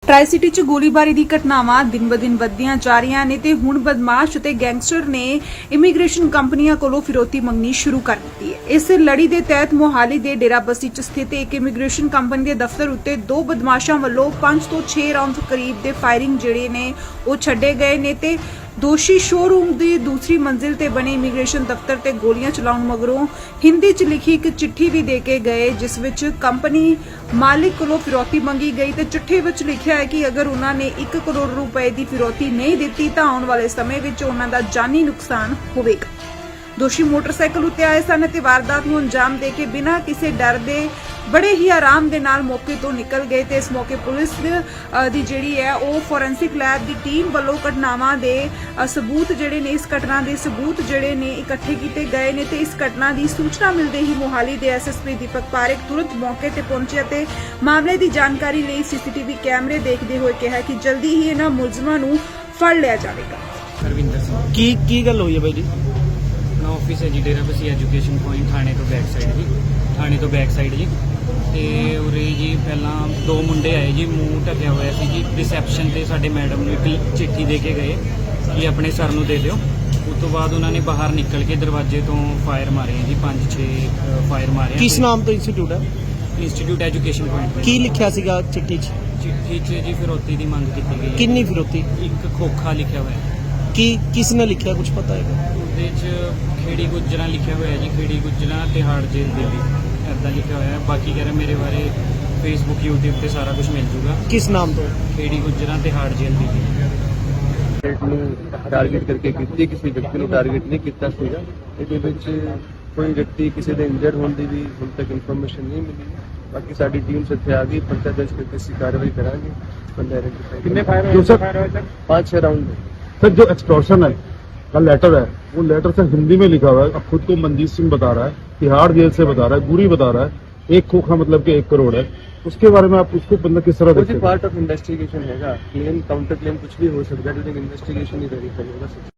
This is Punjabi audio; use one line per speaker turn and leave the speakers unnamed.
ਟਰਾਈ ਸਿਟੀ 'ਚ ਗੋਲੀਬਾਰੀ ਦੀ ਘਟਨਾਵਾਂ ਦਿਨ-ਬ-ਦਿਨ ਵੱਧਦੀਆਂ ਜਾ ਰਹੀਆਂ ਨੇ ਤੇ ਹੁਣ ਬਦਮਾਸ਼ ਅਤੇ ਗੈਂਗਸਟਰ ਨੇ ਇਮੀਗ੍ਰੇਸ਼ਨ ਕੰਪਨੀਆਂ ਕੋਲੋਂ ਫਿਰੌਤੀ ਮੰਗਣੀ ਸ਼ੁਰੂ ਕਰ ਦਿੱਤੀ ਹੈ। ਇਸ ਲੜੀ ਦੇ ਤਹਿਤ ਮੋਹਾਲੀ ਦੇ ਡੇਰਾਬੱਸੀ 'ਚ ਸਥਿਤ ਇੱਕ ਇਮੀਗ੍ਰੇਸ਼ਨ ਕੰਪਨੀ ਦੇ ਦਫ਼ਤਰ ਉੱਤੇ ਦੋ ਬਦਮਾਸ਼ਾਂ ਵੱਲੋਂ 5 ਤੋਂ 6 ਰਾਉਂਡ ਕਰੀਬ ਦੇ ਫਾਇਰਿੰਗ ਜਿਹੜੇ ਨੇ ਉਹ ਛੱਡੇ ਗਏ ਨੇ ਤੇ ਦੋਸ਼ੀ ਸ਼ੋਰੂਮ ਦੀ ਦੂਸਰੀ ਮੰਜ਼ਿਲ ਤੇ ਬਣੇ ਇਮੀਗ੍ਰੇਸ਼ਨ ਦਫ਼ਤਰ ਤੇ ਗੋਲੀਆਂ ਚਲਾਉਣ ਮਗਰੋਂ ਹਿੰਦੀ 'ਚ ਲਿਖੀ ਇੱਕ ਚਿੱਠੀ ਵੀ ਦੇ ਕੇ ਗਏ, ਜਿਸ ਵਿੱਚ ਕੰਪਨੀ ਮਾਲਿਕ ਕੋਲੋਂ ਫਿਰੌਤੀ ਮੰਗੀ ਗਈ ਤੇ ਚਿੱਠੀ ਵਿੱਚ ਲਿਖਿਆ ਹੈ ਕਿ ਅਗਰ ਉਹਨਾਂ ਨੇ 1 ਕਰੋੜ ਰੁਪਏ ਦੀ ਫਿਰੌਤੀ ਨਹੀਂ ਦਿੱਤੀ ਤਾਂ ਆਉਣ ਵਾਲੇ ਸਮੇਂ ਵਿੱਚ ਉਹਨਾਂ ਦਾ ਜਾਨੀ ਨੁਕਸਾਨ ਹੋਵੇਗਾ। ਦੋਸ਼ੀ ਮੋਟਰਸਾਈਕਲ ਉੱਤੇ ਆਏ ਸਨ ਤੇ ਵਾਰਦਾਤ ਨੂੰ ਅੰਜਾਮ ਦੇ ਕੇ ਬਿਨਾਂ ਕਿਸੇ ਡਰ ਦੇ ਬੜੇ ਹੀ ਆਰਾਮ ਦੇ ਨਾਲ ਮੌਕੇ ਤੋਂ ਨਿਕਲ ਗਏ ਤੇ ਇਸ ਮੌਕੇ ਪੁਲਿਸ ਦੀ ਜਿਹੜੀ ਹੈ ਉਹ ਫੋਰੈਂਸਿਕ ਲੈਬ ਦੀ ਟੀਮ ਵੱਲੋਂ ਘਟਨਾਵਾਂ ਦੇ ਸਬੂਤ ਜਿਹੜੇ ਨੇ ਇਸ ਘਟਨਾ ਦੇ ਸਬੂਤ ਜਿਹੜੇ ਨੇ ਇਕੱਠੇ ਕੀਤੇ ਗਏ ਨੇ ਤੇ ਇਸ ਘਟਨਾ ਦੀ ਸੂਚਨਾ ਮਿਲਦੇ ਹੀ ਮੋਹਾਲੀ ਦੇ ਐਸਐਸਪੀ ਦੀਪਕ ਪਾਰੇਖ ਤੁਰੰਤ ਮੌਕੇ ਤੇ ਪਹੁੰਚੇ ਅਤੇ ਮਾਮਲੇ ਦੀ ਜਾਣਕਾਰੀ ਲਈ ਸੀਸੀਟੀਵੀ ਕੈਮਰੇ ਦੇਖਦੇ ਹੋਏ ਕਿਹਾ ਕਿ ਜਲਦੀ ਹੀ ਇਹਨਾਂ ਮੁਲਜ਼ਮਾਂ ਨੂੰ ਫੜ ਲਿਆ ਜਾਵੇਗਾ।
ਰਵਿੰਦਰ ਸਿੰਘ
ਕੀ ਗੱਲ ਹੋਈ ਹੈ ਬਾਈ ਜੀ?
ਆਪਣਾ ਆਫਿਸ ਹੈ ਜੀ ਡੇਰਾਬੱਸੀ ਐਜੂਕੇਸ਼ਨ ਪੁਆਇੰਟ ਥਾਣੇ ਤੋਂ ਬੈਕ ਸਾਈਡ ਜੀ ਤੇ ਉਰੇ ਜੀ ਪਹਿਲਾਂ ਦੋ ਮੁੰਡੇ ਆਏ ਜੀ, ਮੂੰਹ ਢੱਕਿਆ ਹੋਇਆ ਸੀ ਜੀ। ਰਿਸੈਪਸ਼ਨ ਤੇ ਸਾਡੇ ਮੈਡਮ ਨੂੰ ਇੱਕ ਚਿੱਠੀ ਦੇ ਕੇ ਗਏ ਕਿ ਆਪਣੇ ਸਰ ਨੂੰ ਦੇ ਦਿਓ। ਉਸ ਤੋਂ ਬਾਅਦ ਉਹਨਾਂ ਨੇ ਬਾਹਰ ਨਿਕਲ ਕੇ ਦਰਵਾਜ਼ੇ ਤੋਂ ਫਾਇਰ ਮਾਰੇ ਜੀ, 5-6 ਫਾਇਰ ਮਾਰੇ।
ਕਿਸ ਨਾਮ ਤੋਂ ਇੰਸਟੀਚਿਊਟ ਹੈ?
Institute education point.
ਕੀ ਲਿਖਿਆ ਸੀਗਾ ਚਿੱਠੀ 'ਚ?
ਚਿੱਠੀ 'ਚ ਜੀ ਫਿਰੌਤੀ ਦੀ ਮੰਗ ਕੀਤੀ ਗਈ।
ਕਿੰਨੀ ਫਿਰੌਤੀ?
ਇੱਕ ਖੋਖਾ ਲਿਖਿਆ ਹੋਇਆ।
ਕਿਸ ਨੇ ਲਿਖਿਆ, ਕੁਝ ਪਤਾ ਹੈਗਾ?
ਉਹਦੇ 'ਚ ਖੇੜੀ ਗੁੱਜਰਾਂ ਲਿਖਿਆ ਹੋਇਆ ਜੀ, ਖੇੜੀ ਗੁੱਜਰਾਂ ਤਿਹਾੜ ਜੇਲ੍ਹ ਦਿੱਲੀ ਇੱਦਾਂ ਲਿਖਿਆ ਹੋਇਆ। ਬਾਕੀ ਕਹਿ ਰਹੇ ਮੇਰੇ ਬਾਰੇ ਫੇਸਬੁੱਕ YouTube ਤੇ ਸਾਰਾ ਕੁਝ ਮਿਲ ਜੂਗਾ।
ਕਿਸ ਨਾਮ ਤੋਂ?
ਖੇੜੀ ਗੁੱਜਰਾਂ ਤਿਹਾੜ ਜੇਲ੍ਹ ਦਿੱਲੀ।
ਨੂੰ ਟਾਰਗੇਟ ਕਰਕੇ ਕੀਤੀ, ਕਿਸੇ ਵਿਅਕਤੀ ਨੂੰ ਟਾਰਗੇਟ ਨਹੀਂ ਕੀਤਾ ਸੀਗਾ। ਇਹਦੇ ਵਿੱਚ ਕੋਈ ਵਿਅਕਤੀ ਕਿਸੇ ਦੇ ਇੰਜਰਡ ਹੋਣ ਦੀ ਵੀ ਹੁਣ ਤੱਕ ਇਨਫੋਰਮੇਸ਼ਨ ਨਹੀਂ ਮਿਲੀ। ਬਾਕੀ ਸਾਡੀ ਟੀਮ ਇੱਥੇ ਆ ਗਈ, ਪਰਚਾ ਦਰਜ ਕਰਕੇ ਅਸੀਂ ਕਾਰਵਾਈ ਕਰਾਂਗੇ। ਬੰਦਾ ਆइडेंटिफाई।
कितने फायर हुए सर?
5-6 राउंड है
सर। जो एक्सटॉर्शन है का लेटर है, वो लेटर सर हिंदी में लिखा हुआ है। अब खुद को मनजीत सिंह बता रहा है, तिहाड़ जेल से बता रहा है, गुरी बता रहा है, 1 खोखा मतलब कि 1 करोड़ है। उसके बारे में आप उसको बंदा किस तरह देखते हैं?
पार्ट ऑफ इन्वेस्टिगेशन है। क्लेम काउंटर क्लेम कुछ भी हो सकता है, लेकिन इन्वेस्टिगेशन ही वेरीफाई होगा।